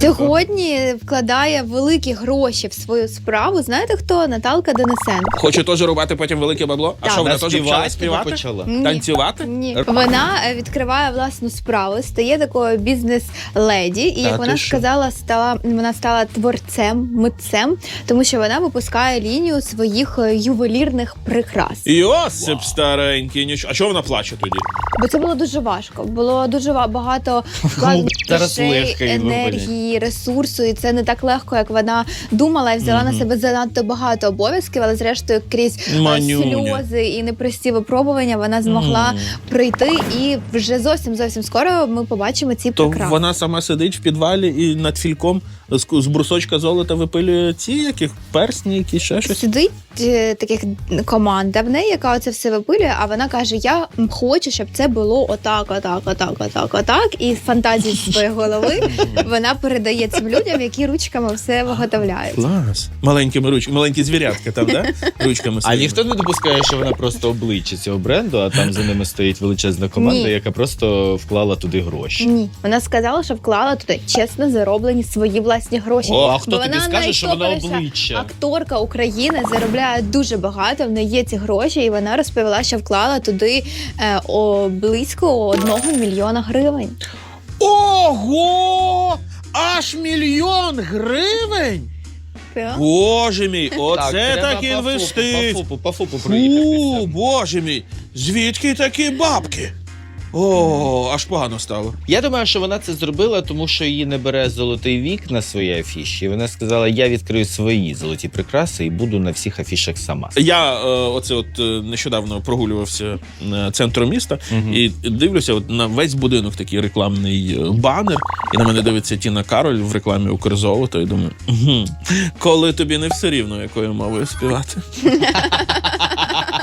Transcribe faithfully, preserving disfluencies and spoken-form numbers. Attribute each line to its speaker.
Speaker 1: Сьогодні вкладає великі гроші в свою справу. Знаєте хто? Наталка Денисенко.
Speaker 2: Хоче теж рубати потім велике бабло? А
Speaker 1: Так.
Speaker 2: що, вона
Speaker 3: Вона
Speaker 2: теж почала
Speaker 3: співати
Speaker 2: співати?
Speaker 3: почала?
Speaker 1: Ні.
Speaker 2: Танцювати?
Speaker 1: Ні. Вона е, відкриває власну справу, стає такою бізнес-леді, і,
Speaker 3: Та
Speaker 1: як вона
Speaker 3: ти що?
Speaker 1: сказала, стала, вона стала творцем, митцем, тому що вона випускає лінію своїх е, ювелірних прикрас.
Speaker 2: Йосип старенький, нічого. А чого вона плаче тоді?
Speaker 1: Бо це було дуже важко. Було дуже ва- багато вкладень
Speaker 3: Зараз
Speaker 1: грошей,
Speaker 3: легко їй
Speaker 1: енергії, ресурсу, і це не так легко, як вона думала, і взяла на себе занадто багато обов'язків, але зрештою крізь е,
Speaker 2: Манюня.
Speaker 1: сльози і непрості випробування вона змогла прийти, і вже зовсім зовсім скоро ми побачимо ці
Speaker 2: То
Speaker 1: прикраси.
Speaker 2: вона сама сидить в підвалі і над фільком з, з брусочка золота випилює ці яких персні, якісь ще щось.
Speaker 1: Сидить е, таких команда в неї, яка оце все випилює, а вона каже: я хочу, щоб це було отак, отак, отак, отак, отак. І з фантазії своєї голови вона передає цим людям, які ручками все виготовляють.
Speaker 2: Клас. Маленькими ручками, маленькі звірятки там, да? Ручками
Speaker 3: А
Speaker 2: своїми.
Speaker 3: ніхто не допускає, що вона просто обличчя цього бренду, а там за ними стоїть величезна команда,
Speaker 1: Ні.
Speaker 3: яка просто вклала туди гроші.
Speaker 1: Ні, вона сказала, що вклала туди чесно зароблені свої власні гроші.
Speaker 3: О, а
Speaker 1: Бо
Speaker 3: хто тобі
Speaker 1: вона
Speaker 3: скаже, що вона
Speaker 1: найтоповіша
Speaker 3: обличчя?
Speaker 1: акторка України, заробляє дуже багато, в неї є ці гроші, і вона розповіла, що вклала туди е, о, близько одного мільйона гривень.
Speaker 2: Ого! Аж мільйон гривень?
Speaker 1: Так.
Speaker 2: Боже мій, оце
Speaker 3: треба
Speaker 2: так
Speaker 3: по
Speaker 2: інвестицій.
Speaker 3: фупу, по фупу, по фупу
Speaker 2: Фу,
Speaker 3: проїхатися.
Speaker 2: боже мій, звідки такі бабки? О, аж погано стало.
Speaker 3: Я думаю, що вона це зробила, тому що її не бере золотий вік на своїй афіші. І вона сказала, я відкрию свої золоті прикраси і буду на всіх афішах сама.
Speaker 2: Я е, оце от е, нещодавно прогулювався е, центром міста
Speaker 3: Мгм.
Speaker 2: і дивлюся от на весь будинок такий рекламний е, банер, і на мене дивиться Тіна Кароль в рекламі Укрзолото, і думаю, угу, коли тобі не все рівно, якою мовою співати.